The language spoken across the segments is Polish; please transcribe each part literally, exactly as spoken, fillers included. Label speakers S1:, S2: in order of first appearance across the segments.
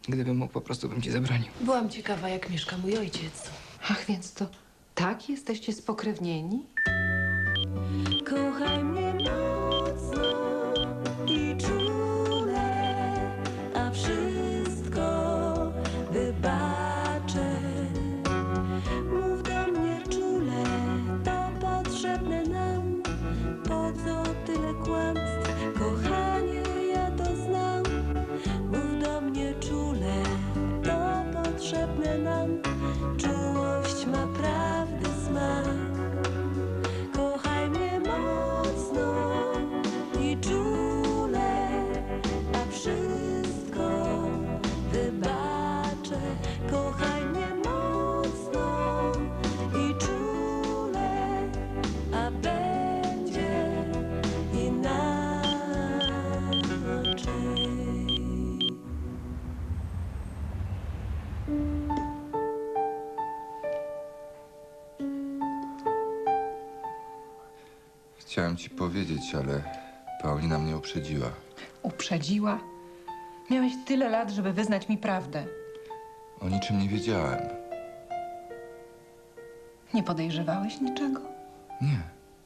S1: Gdybym mógł, po prostu bym ci zabronił.
S2: Byłam ciekawa, jak mieszka mój ojciec.
S3: Ach, więc to tak jesteście spokrewnieni?
S4: Kochaj mnie mocno i czule, a wszystko wybaczę. Mów do mnie czule, to potrzebne nam. Po co tyle kłamstw, kochanie, ja to znam. Mów do mnie czule, to potrzebne nam. Czułość ma prawdy smak. Kochaj mnie mocno i czule, a wszystko wybaczę. Kochaj mnie mocno i czule, a będzie inaczej.
S5: Chciałem ci powiedzieć, ale Paulina mnie uprzedziła.
S3: Uprzedziła? Miałeś tyle lat, żeby wyznać mi prawdę.
S5: O niczym nie wiedziałem.
S3: Nie podejrzewałeś niczego?
S5: Nie.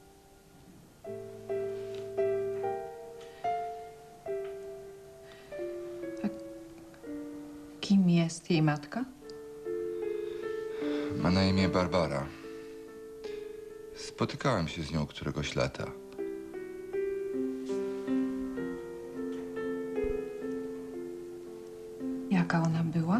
S3: Kim jest jej matka?
S5: Ma na imię Barbara. Spotykałem się z nią któregoś lata.
S3: Jaka ona była?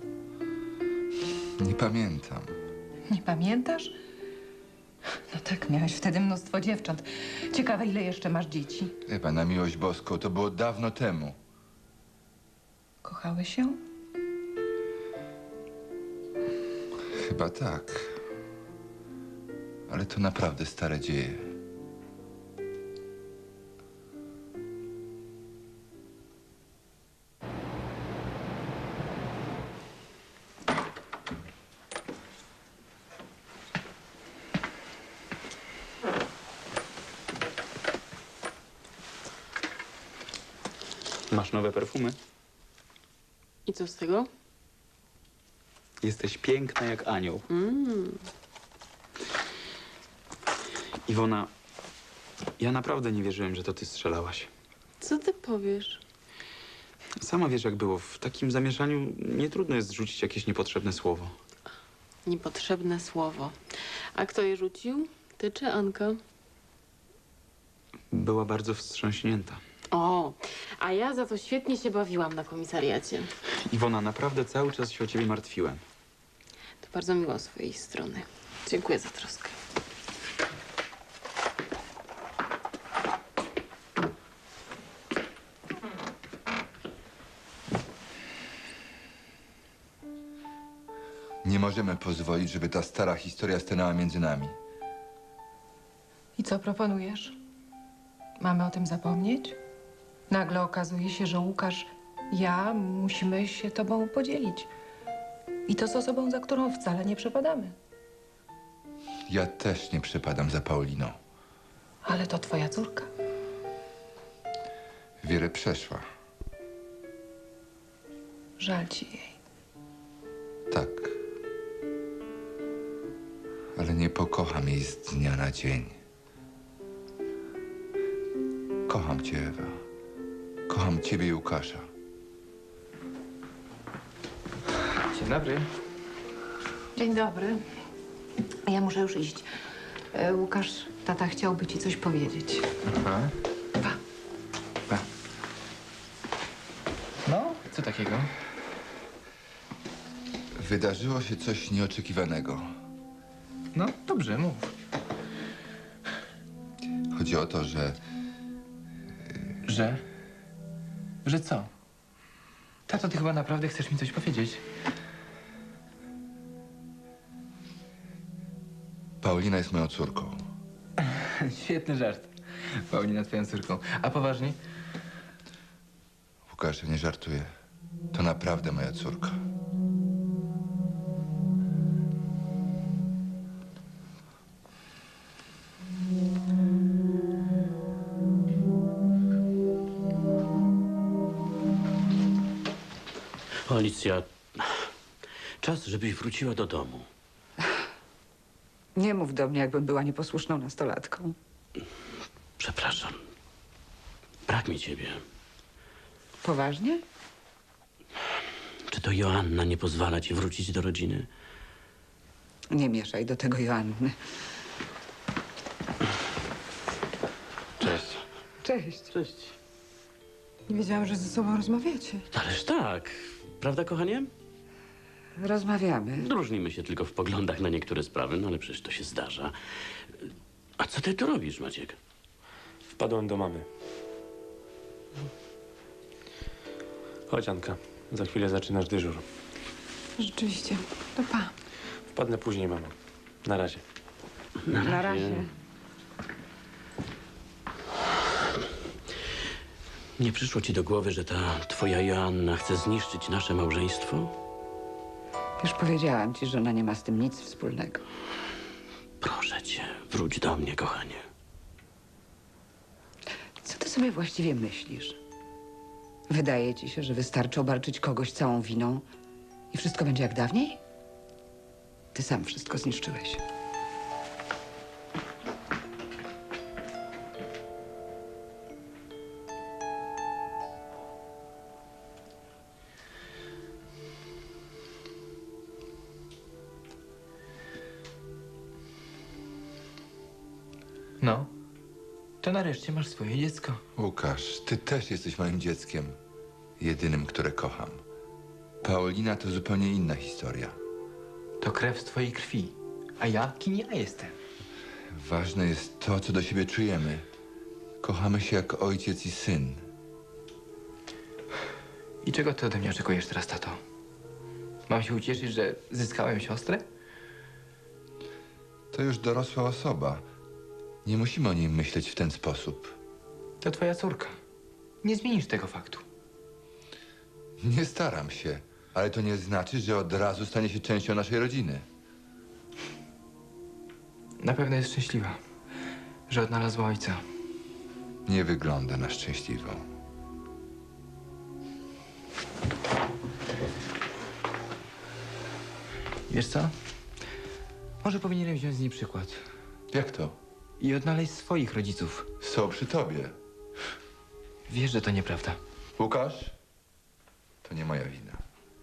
S5: Nie pamiętam.
S3: Nie pamiętasz? No tak, miałeś wtedy mnóstwo dziewcząt. Ciekawe, ile jeszcze masz dzieci.
S5: Chyba na miłość boską, to było dawno temu.
S3: Kochałeś się?
S5: Chyba tak. Ale to naprawdę stare dzieje.
S6: Masz nowe perfumy?
S2: I co z tego?
S6: Jesteś piękna jak anioł.
S2: Mm.
S6: Iwona, ja naprawdę nie wierzyłem, że to ty strzelałaś.
S2: Co ty powiesz?
S6: Sama wiesz, jak było. W takim zamieszaniu nie trudno jest rzucić jakieś niepotrzebne słowo.
S2: Niepotrzebne słowo. A kto je rzucił? Ty czy Anka?
S6: Była bardzo wstrząśnięta.
S2: O, a ja za to świetnie się bawiłam na komisariacie.
S6: Iwona, naprawdę cały czas się o ciebie martwiłem.
S2: To bardzo miło z twojej strony. Dziękuję za troskę.
S5: Nie możemy pozwolić, żeby ta stara historia stanęła między nami.
S3: I co proponujesz? Mamy o tym zapomnieć? Nagle okazuje się, że Łukasz, ja musimy się tobą podzielić. I to z osobą, za którą wcale nie przepadamy.
S5: Ja też nie przepadam za Pauliną.
S3: Ale to twoja córka.
S5: Wiele przeszła.
S3: Żal ci jej.
S5: Tak. Ale nie pokocham jej z dnia na dzień. Kocham cię, Ewa. Kocham ciebie i Łukasza.
S1: Dzień dobry.
S3: Dzień dobry. Ja muszę już iść. E, Łukasz, tata chciałby ci coś powiedzieć.
S1: Aha.
S3: Pa.
S1: Pa. No, co takiego?
S5: Wydarzyło się coś nieoczekiwanego.
S1: No, dobrze, mów.
S5: Chodzi o to, że
S1: Że? Że co? Tato, ty chyba naprawdę chcesz mi coś powiedzieć?
S5: Paulina jest moją córką.
S1: Świetny żart. Paulina twoją córką. A poważnie?
S5: Łukasz, ja nie żartuję. To naprawdę moja córka.
S7: Alicja, czas, żebyś wróciła do domu.
S8: Nie mów do mnie, jakbym była nieposłuszną nastolatką.
S7: Przepraszam. Brak mi ciebie.
S8: Poważnie?
S7: Czy to Joanna nie pozwala ci wrócić do rodziny?
S8: Nie mieszaj do tego Joanny.
S7: Cześć.
S8: Cześć.
S7: Cześć.
S3: Nie wiedziałam, że ze sobą rozmawiacie.
S7: Ależ tak. Prawda, kochanie?
S8: Rozmawiamy.
S7: Różnimy się tylko w poglądach na niektóre sprawy, no ale przecież to się zdarza. A co ty tu robisz, Maciek?
S9: Wpadłem do mamy. Chodź, Anka. Za chwilę zaczynasz dyżur.
S3: Rzeczywiście. To pa.
S9: Wpadnę później, mamo. Na razie.
S7: Na
S8: Na razie.
S7: Nie przyszło ci do głowy, że ta twoja Joanna chce zniszczyć nasze małżeństwo?
S8: Już powiedziałam ci, że ona nie ma z tym nic wspólnego.
S7: Proszę cię, wróć do mnie, kochanie.
S8: Co ty sobie właściwie myślisz? Wydaje ci się, że wystarczy obarczyć kogoś całą winą i wszystko będzie jak dawniej? Ty sam wszystko zniszczyłeś.
S1: No, to nareszcie masz swoje dziecko.
S5: Łukasz, ty też jesteś moim dzieckiem. Jedynym, które kocham. Paulina to zupełnie inna historia.
S1: To krew z twojej krwi. A ja, kim ja jestem?
S5: Ważne jest to, co do siebie czujemy. Kochamy się jak ojciec i syn.
S1: I czego ty ode mnie oczekujesz teraz, tato? Mam się ucieszyć, że zyskałem siostrę?
S5: To już dorosła osoba. Nie musimy o niej myśleć w ten sposób.
S1: To twoja córka. Nie zmienisz tego faktu.
S5: Nie staram się, ale to nie znaczy, że od razu stanie się częścią naszej rodziny.
S1: Na pewno jest szczęśliwa, że odnalazła ojca.
S5: Nie wygląda na szczęśliwą.
S1: Wiesz co? Może powinienem wziąć z niej przykład
S5: Jak to?
S1: i odnaleźć swoich rodziców.
S5: Są przy tobie.
S1: Wiesz, że to nieprawda.
S5: Łukasz? To nie moja wina.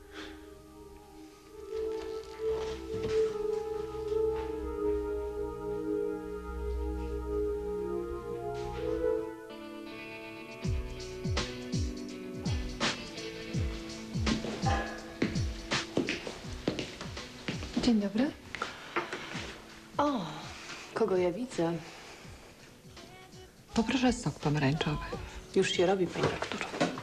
S3: Dzień dobry.
S2: O, kogo ja widzę?
S3: Poproszę sok pomarańczowy.
S2: Już się robi, pani doktor.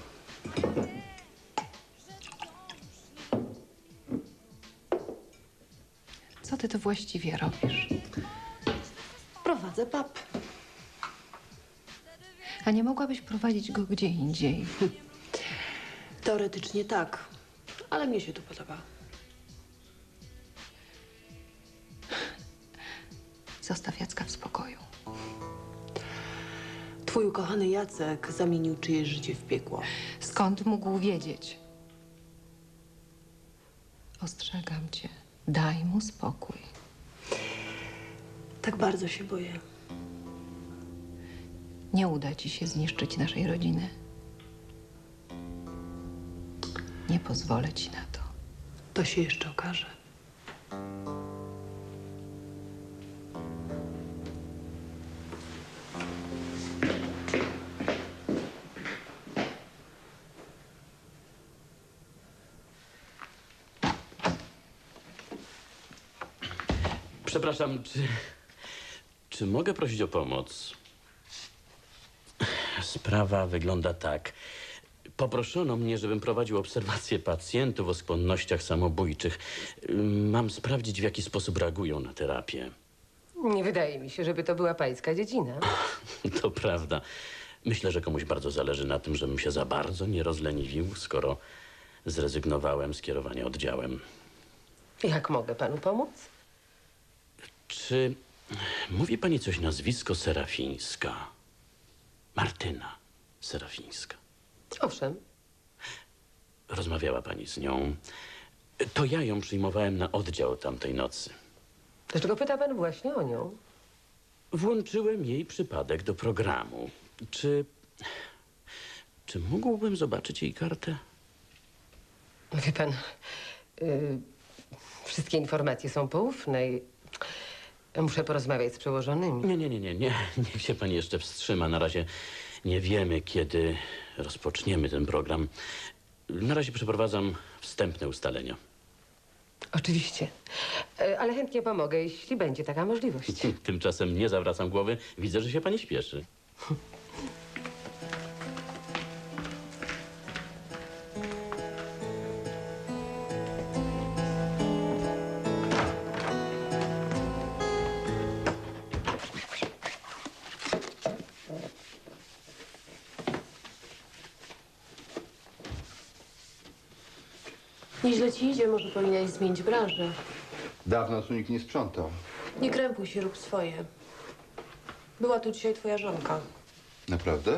S3: Co ty to właściwie robisz?
S2: Prowadzę pub.
S3: A nie mogłabyś prowadzić go gdzie indziej?
S2: Teoretycznie tak, ale mnie się tu podoba.
S3: Zostaw Jacka w spokoju.
S2: Twój ukochany Jacek zamienił czyjeś życie w piekło.
S3: Skąd mógł wiedzieć? Ostrzegam cię. Daj mu spokój.
S2: Tak bardzo się boję.
S3: Nie uda ci się zniszczyć naszej rodziny. Nie pozwolę ci na to.
S2: To się jeszcze okaże.
S7: Przepraszam, czy... Czy mogę prosić o pomoc? Sprawa wygląda tak. Poproszono mnie, żebym prowadził obserwację pacjentów o skłonnościach samobójczych. Mam sprawdzić, w jaki sposób reagują na terapię.
S10: Nie wydaje mi się, żeby to była pańska dziedzina.
S7: To prawda. Myślę, że komuś bardzo zależy na tym, żebym się za bardzo nie rozleniwił, skoro zrezygnowałem z kierowania oddziałem.
S10: Jak mogę panu pomóc?
S7: Czy mówi pani coś nazwisko rozmawiała pani z nią. To ja ją przyjmowałem na oddział tamtej nocy.
S10: Dlaczego pyta pan właśnie o nią?
S7: Włączyłem jej przypadek do programu. Czy... Czy mógłbym zobaczyć jej kartę?
S10: Wie pan, y, wszystkie informacje są poufne i muszę porozmawiać z przełożonymi.
S7: Nie, nie, nie, nie, nie. Niech się pani jeszcze wstrzyma. Na razie nie wiemy, kiedy rozpoczniemy ten program. Na razie przeprowadzam wstępne ustalenia.
S10: Oczywiście, Y, ale chętnie pomogę, jeśli będzie taka możliwość.
S7: Tymczasem nie zawracam głowy. Widzę, że się pani śpieszy.
S2: Nieźle ci idzie, może powinnaś zmienić branżę.
S5: Dawno tu nikt nie sprzątał.
S2: Nie krępuj się, rób swoje. Była tu dzisiaj twoja żonka.
S5: Naprawdę?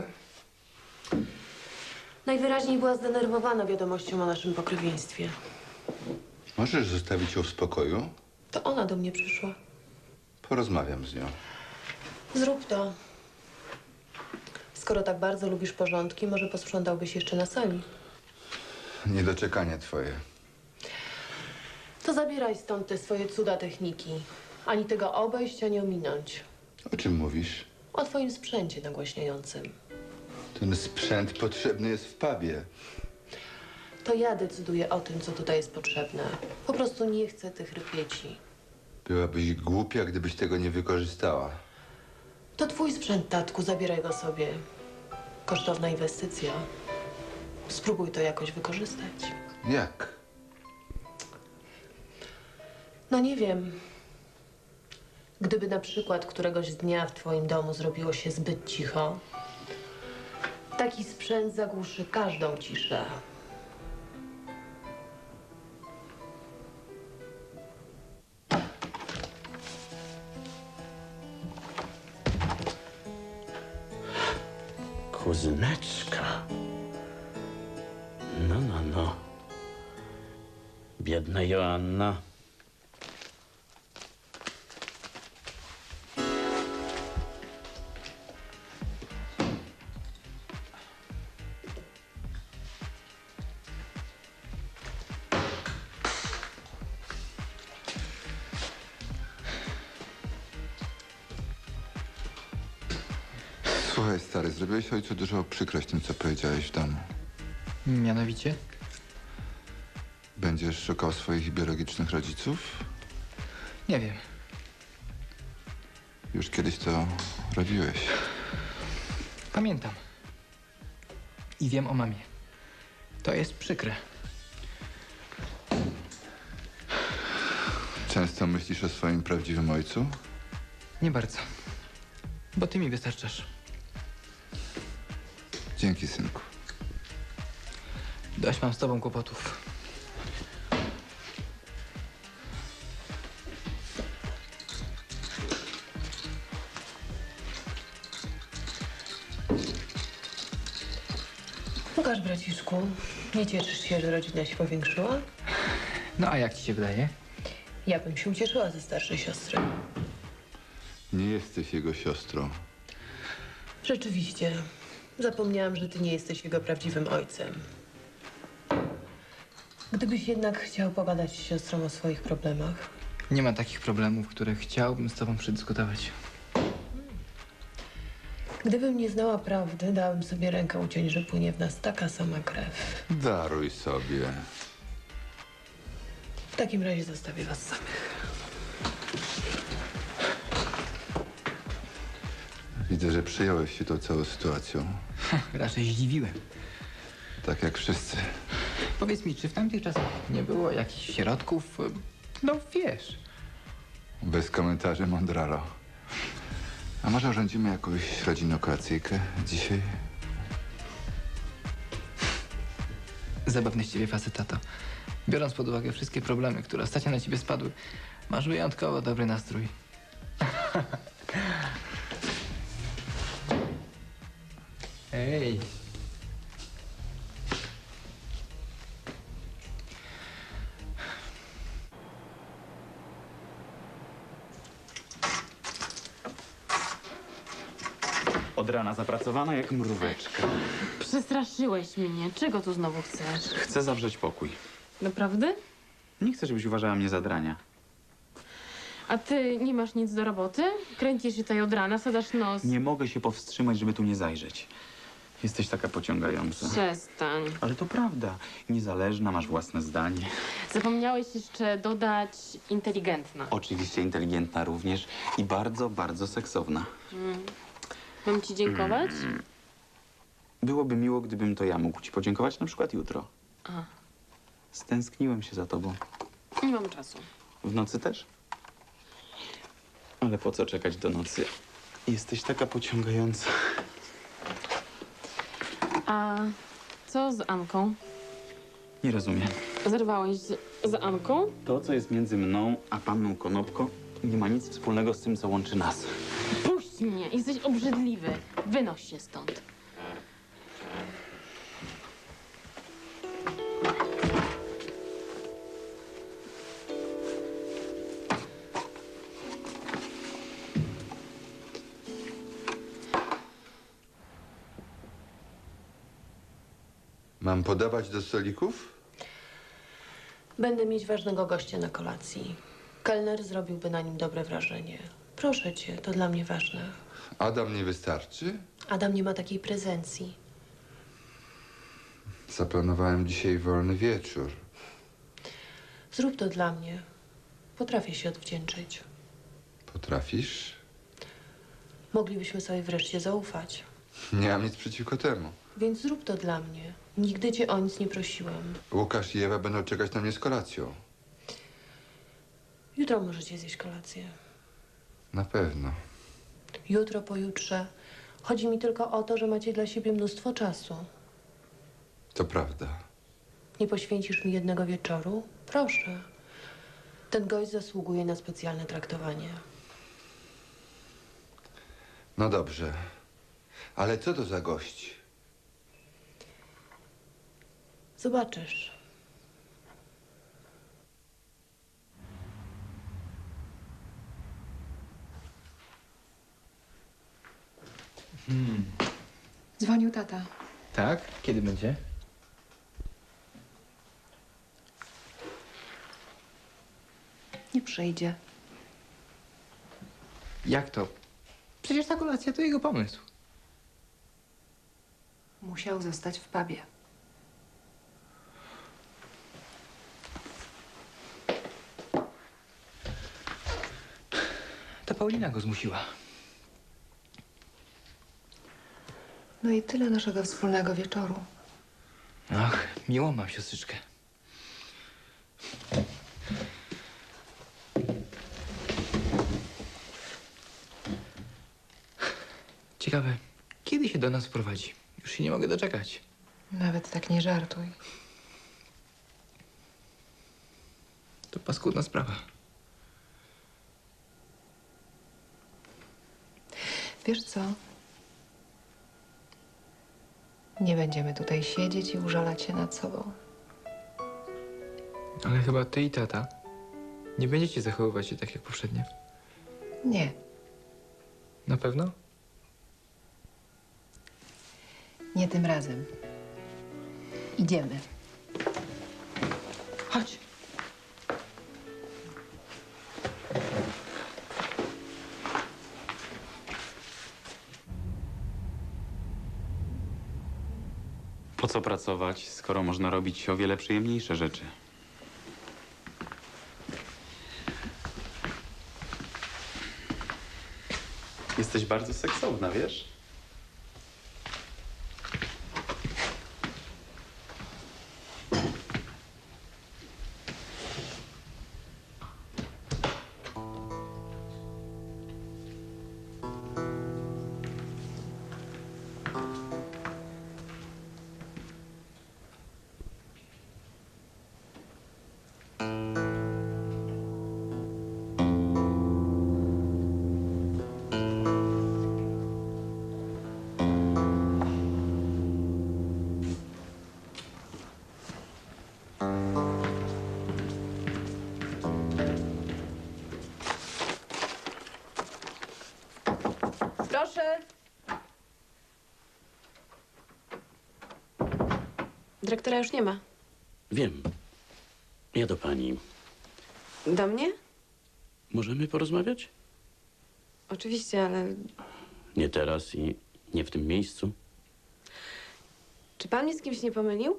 S2: Najwyraźniej była zdenerwowana wiadomością o naszym pokrewieństwie.
S5: Możesz zostawić ją w spokoju?
S2: To ona do mnie przyszła.
S5: Porozmawiam z nią.
S2: Zrób to. Skoro tak bardzo lubisz porządki, może posprzątałbyś jeszcze na sali.
S5: Niedoczekanie twoje.
S2: To zabieraj stąd te swoje cuda techniki. Ani tego obejść, ani ominąć.
S5: O czym mówisz?
S2: O twoim sprzęcie nagłaśniającym.
S5: Ten sprzęt potrzebny jest w pubie.
S2: To ja decyduję o tym, co tutaj jest potrzebne. Po prostu nie chcę tych rypieci.
S5: Byłabyś głupia, gdybyś tego nie wykorzystała.
S2: To twój sprzęt, tatku, zabieraj go sobie. Kosztowna inwestycja. Spróbuj to jakoś wykorzystać.
S5: Jak?
S2: No nie wiem. Gdyby na przykład któregoś dnia w twoim domu zrobiło się zbyt cicho, taki sprzęt zagłuszy każdą ciszę.
S7: Kuzyneczka. No, no, no. Biedna Joanna.
S5: Słuchaj, stary, zrobiłeś ojcu dużo przykrość tym, co powiedziałeś w domu.
S1: Mianowicie?
S5: Będziesz szukał swoich biologicznych rodziców?
S1: Nie wiem.
S5: Już kiedyś to robiłeś.
S1: Pamiętam. I wiem o mamie. To jest przykre.
S5: Często myślisz o swoim prawdziwym ojcu?
S1: Nie bardzo. Bo ty mi wystarczasz.
S5: Dzięki, synku.
S1: Dość mam z tobą kłopotów.
S2: Łukasz, braciszku, nie cieszysz się, że rodzina się powiększyła?
S1: No a jak ci się wydaje?
S2: Ja bym się ucieszyła ze starszej siostry.
S5: Nie jesteś jego siostrą.
S2: Rzeczywiście. Zapomniałam, że ty nie jesteś jego prawdziwym ojcem. Gdybyś jednak chciał pogadać z siostrą o swoich problemach.
S1: Nie ma takich problemów, które chciałbym z tobą przedyskutować.
S2: Gdybym nie znała prawdy, dałabym sobie rękę uciąć, że płynie w nas taka sama krew.
S5: Daruj sobie.
S2: W takim razie zostawię was samych.
S5: Widzę, że przyjąłeś się tą całą sytuacją.
S1: Raczej zdziwiłem.
S5: Tak jak wszyscy.
S1: Powiedz mi, czy w tamtych czasach nie było jakichś środków? No wiesz.
S5: Bez komentarzy, mądralo. A może urządzimy jakąś rodzinną kolacyjkę dzisiaj?
S1: Zabawny z ciebie facet, tato. Biorąc pod uwagę wszystkie problemy, które ostatnio na ciebie spadły, masz wyjątkowo dobry nastrój. Ej.
S6: Od rana zapracowana jak mróweczka.
S11: Przestraszyłeś mnie. Czego tu znowu chcesz?
S6: Chcę zawrzeć pokój.
S11: Naprawdę?
S6: Nie chcę, żebyś uważała mnie za drania.
S11: A ty nie masz nic do roboty? Kręcisz się tutaj od rana, sadasz nos.
S6: Nie mogę się powstrzymać, żeby tu nie zajrzeć. Jesteś taka pociągająca.
S11: Przestań.
S6: Ale to prawda. Niezależna, masz własne zdanie.
S11: Zapomniałeś jeszcze dodać inteligentna.
S6: Oczywiście inteligentna również i bardzo, bardzo seksowna.
S11: Mm. Mam ci dziękować?
S6: Byłoby miło, gdybym to ja mógł ci podziękować na przykład jutro.
S11: A,
S6: Stęskniłem się za tobą.
S11: nie mam czasu.
S6: W nocy też? Ale po co czekać do nocy? Jesteś taka pociągająca.
S11: A co z Anką?
S6: Nie rozumiem.
S11: Zerwałeś z, z Anką?
S6: To, co jest między mną a panną Konopko, nie ma nic wspólnego z tym, co łączy nas.
S11: Puść mnie, jesteś obrzydliwy. Wynoś się stąd.
S5: Mam podawać do stolików?
S2: Będę mieć ważnego gościa na kolacji. Kelner zrobiłby na nim dobre wrażenie. Proszę cię, to dla mnie ważne.
S5: Adam nie wystarczy?
S2: Adam nie ma takiej prezencji.
S5: Zaplanowałem dzisiaj wolny wieczór.
S2: Zrób to dla mnie. Potrafię się odwdzięczyć.
S5: Potrafisz?
S2: Moglibyśmy sobie wreszcie zaufać.
S5: Nie mam nic przeciwko temu.
S2: Więc zrób to dla mnie. Nigdy cię o nic nie prosiłem.
S5: Łukasz i Ewa będą czekać na mnie z kolacją.
S2: Jutro możecie zjeść kolację.
S5: Na pewno.
S2: Jutro, pojutrze. Chodzi mi tylko o to, że macie dla siebie mnóstwo czasu.
S5: To prawda.
S2: Nie poświęcisz mi jednego wieczoru? Proszę. Ten gość zasługuje na specjalne traktowanie.
S5: No dobrze. Ale co to za gość?
S2: Zobaczysz.
S1: Hmm.
S3: Dzwonił tata.
S1: Tak? Kiedy będzie?
S3: Nie przyjdzie.
S1: Jak to? Przecież ta kolacja to jego pomysł.
S3: Musiał zostać w pubie.
S1: To Paulina go zmusiła.
S3: No i tyle naszego wspólnego wieczoru.
S1: Ach, miłą mam siostrzyczkę. Ciekawe, kiedy się do nas wprowadzi? Już się nie mogę doczekać.
S3: Nawet tak nie żartuj.
S1: To paskudna sprawa.
S3: Wiesz co? Nie będziemy tutaj siedzieć i użalać się nad sobą.
S1: Ale chyba ty i tata nie będziecie zachowywać się tak jak poprzednio.
S3: Nie.
S1: Na pewno?
S3: Nie tym razem. Idziemy.
S1: Chodź.
S6: Po co pracować, skoro można robić o wiele przyjemniejsze rzeczy? Jesteś bardzo seksowna, wiesz?
S11: Dyrektora już nie ma.
S7: Wiem. Ja do pani.
S11: Do mnie?
S7: Możemy porozmawiać?
S11: Oczywiście, ale
S7: Nie teraz i nie w tym miejscu.
S11: czy pan mnie z kimś nie pomylił?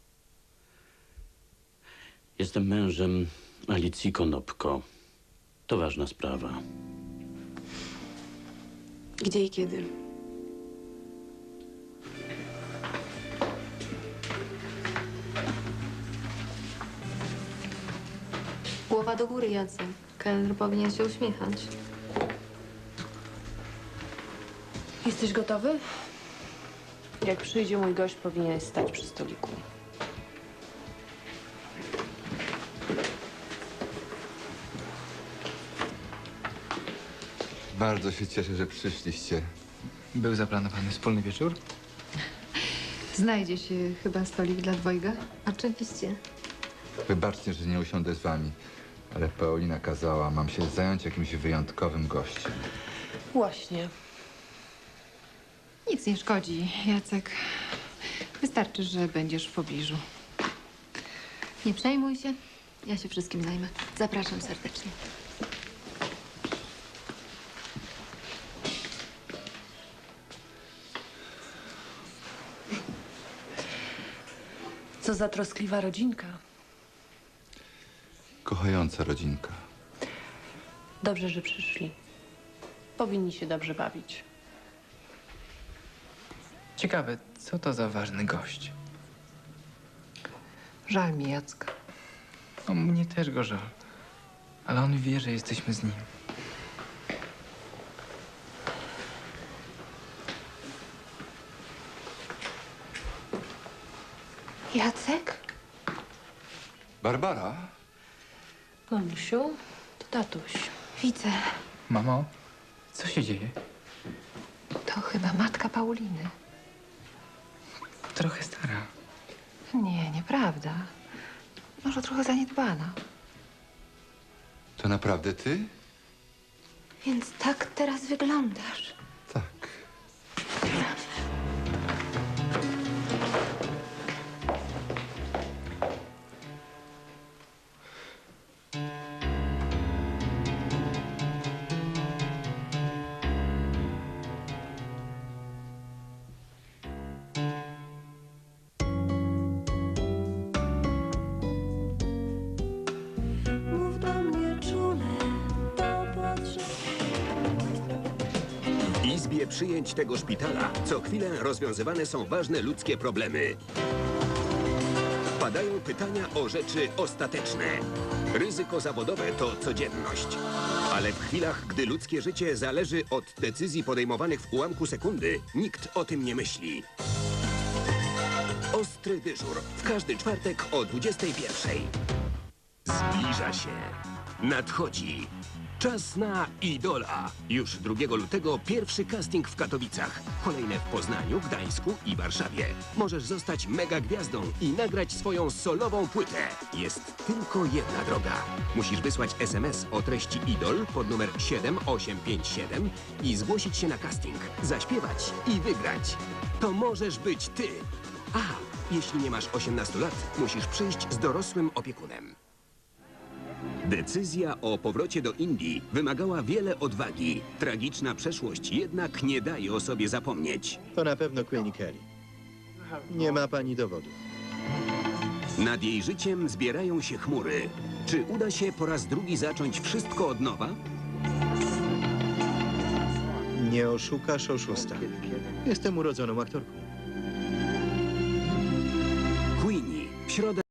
S7: Jestem mężem Alicji Konopko. To ważna sprawa.
S11: Gdzie i kiedy?
S12: Głowa do góry, Jacek. Kelner powinien się uśmiechać.
S2: Jesteś gotowy? Jak przyjdzie mój gość, powinien stać przy stoliku.
S5: Bardzo się cieszę, że przyszliście.
S1: Był zaplanowany wspólny wieczór?
S3: Znajdzie się chyba stolik dla dwojga?
S12: Oczywiście.
S5: Wybaczcie, że nie usiądę z wami, ale Paulina kazała. Mam się zająć jakimś wyjątkowym gościem.
S2: Właśnie.
S3: Nic nie szkodzi, Jacek. Wystarczy, że będziesz w pobliżu.
S12: Nie przejmuj się. Ja się wszystkim zajmę. Zapraszam serdecznie.
S2: Co za troskliwa rodzinka.
S5: Kochająca rodzinka.
S2: Dobrze, że przyszli. Powinni się dobrze bawić.
S1: Ciekawe, co to za ważny gość?
S3: Żal mi Jacka.
S1: O, mnie też go żal. Ale on wie, że jesteśmy z nim.
S3: Jacek?
S5: Barbara?
S2: Mamusiu, to tatuś.
S3: Widzę.
S1: Mamo, co się dzieje?
S3: To chyba matka Pauliny.
S1: Trochę stara.
S3: Nie, nieprawda. Może trochę zaniedbana.
S5: To naprawdę ty?
S12: Więc tak teraz wyglądasz.
S5: Tak.
S4: Mów do mnie czule, to potrzeba.
S13: W izbie przyjęć tego szpitala co chwilę rozwiązywane są ważne ludzkie problemy. Padają pytania o rzeczy ostateczne. Ryzyko zawodowe to codzienność. Ale w chwilach, gdy ludzkie życie zależy od decyzji podejmowanych w ułamku sekundy, nikt o tym nie myśli. Ostry dyżur w każdy czwartek o dwudziestej pierwszej. Zbliża się. Nadchodzi. Czas na Idola. Już drugiego lutego pierwszy casting w Katowicach. Kolejne w Poznaniu, Gdańsku i Warszawie. Możesz zostać mega gwiazdą i nagrać swoją solową płytę. Jest tylko jedna droga. Musisz wysłać es em es o treści Idol pod numer siedem osiem pięć siedem i zgłosić się na casting, zaśpiewać i wygrać. To możesz być ty. A, jeśli nie masz osiemnastu lat, musisz przyjść z dorosłym opiekunem. Decyzja o powrocie do Indii wymagała wiele odwagi. Tragiczna przeszłość jednak nie daje o sobie zapomnieć.
S14: To na pewno Queenie Kelly. Nie ma pani dowodów.
S13: Nad jej życiem zbierają się chmury. Czy uda się po raz drugi zacząć wszystko od nowa?
S14: Nie oszukasz oszusta. Jestem urodzoną aktorką.
S13: Queenie w środę.